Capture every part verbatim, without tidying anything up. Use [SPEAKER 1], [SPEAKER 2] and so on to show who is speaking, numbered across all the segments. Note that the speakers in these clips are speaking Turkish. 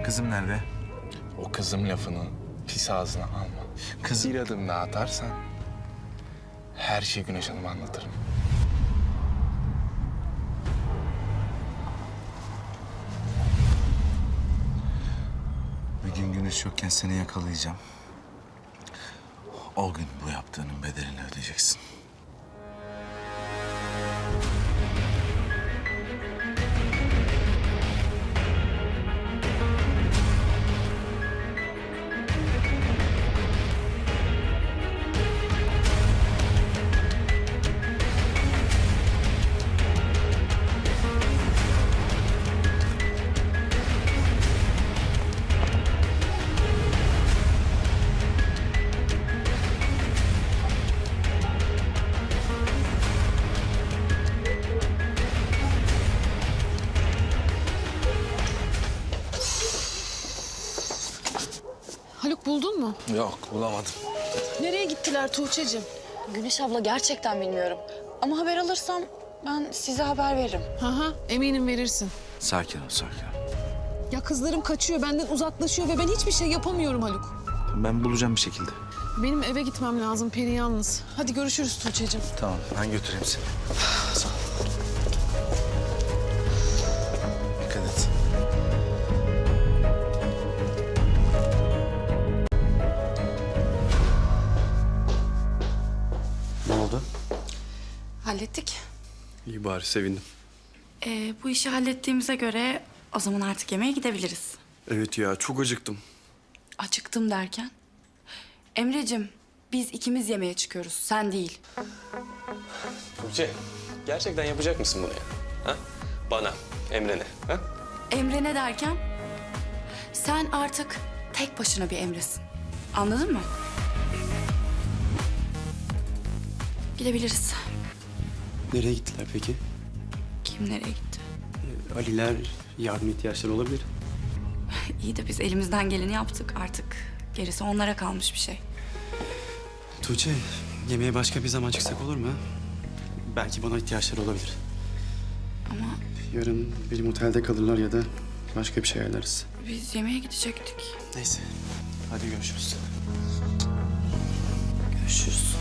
[SPEAKER 1] Kızım nerede?
[SPEAKER 2] O kızım lafını pis ağzına alma.
[SPEAKER 1] Kız...
[SPEAKER 2] Bir adım daha atarsan her şeyi Güneş Hanım'a anlatırım.
[SPEAKER 1] Bir gün Güneş yokken seni yakalayacağım. O gün bu yaptığının bedelini ödeyeceksin.
[SPEAKER 3] Haluk buldun mu?
[SPEAKER 2] Yok, bulamadım.
[SPEAKER 3] Nereye gittiler Tuğçe'cim?
[SPEAKER 4] Güneş abla gerçekten bilmiyorum. Ama haber alırsam ben size haber veririm.
[SPEAKER 3] Hı hı, eminim verirsin.
[SPEAKER 1] Sakin ol, sakin ol.
[SPEAKER 3] Ya kızlarım kaçıyor, benden uzaklaşıyor ve ben hiçbir şey yapamıyorum Haluk.
[SPEAKER 1] Ben bulacağım bir şekilde.
[SPEAKER 3] Benim eve gitmem lazım, Peri yalnız. Hadi görüşürüz Tuğçe'cim.
[SPEAKER 1] Tamam, ben götüreyim seni. Sağ ol. Dikkat et.
[SPEAKER 5] Ne oldu?
[SPEAKER 4] Hallettik.
[SPEAKER 5] İyi bari sevindim.
[SPEAKER 4] Ee, bu işi hallettiğimize göre o zaman artık yemeğe gidebiliriz.
[SPEAKER 5] Evet ya çok acıktım.
[SPEAKER 4] Acıktım derken? Emre'cim biz ikimiz yemeğe çıkıyoruz, sen değil.
[SPEAKER 6] Tuğçe, gerçekten yapacak mısın bunu ya? Ha? Bana, Emre'ne. Ha?
[SPEAKER 4] Emre ne derken? Sen artık tek başına bir Emre'sin. Anladın mı? Gidebiliriz.
[SPEAKER 5] Nereye gittiler peki?
[SPEAKER 4] Kim nereye gitti?
[SPEAKER 5] Ee, Aliler yardım ihtiyaçları olabilir.
[SPEAKER 4] İyi de biz elimizden geleni yaptık artık. Gerisi onlara kalmış bir şey.
[SPEAKER 5] Tuğçe, yemeğe başka bir zaman çıksak olur mu? Belki bana ihtiyaçları olabilir.
[SPEAKER 4] Ama
[SPEAKER 5] Yarın benim otelde kalırlar ya da başka bir şey ayarlarız.
[SPEAKER 4] biz yemeğe gidecektik.
[SPEAKER 5] Neyse, hadi görüşürüz.
[SPEAKER 4] Görüşürüz.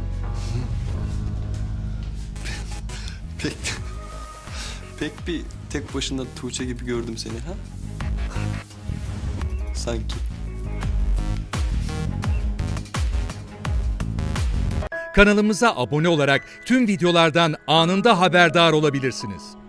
[SPEAKER 5] Pek, pek bir tek başına Tuğçe gibi gördüm seni ha? Sanki.
[SPEAKER 7] Kanalımıza abone olarak tüm videolardan anında haberdar olabilirsiniz.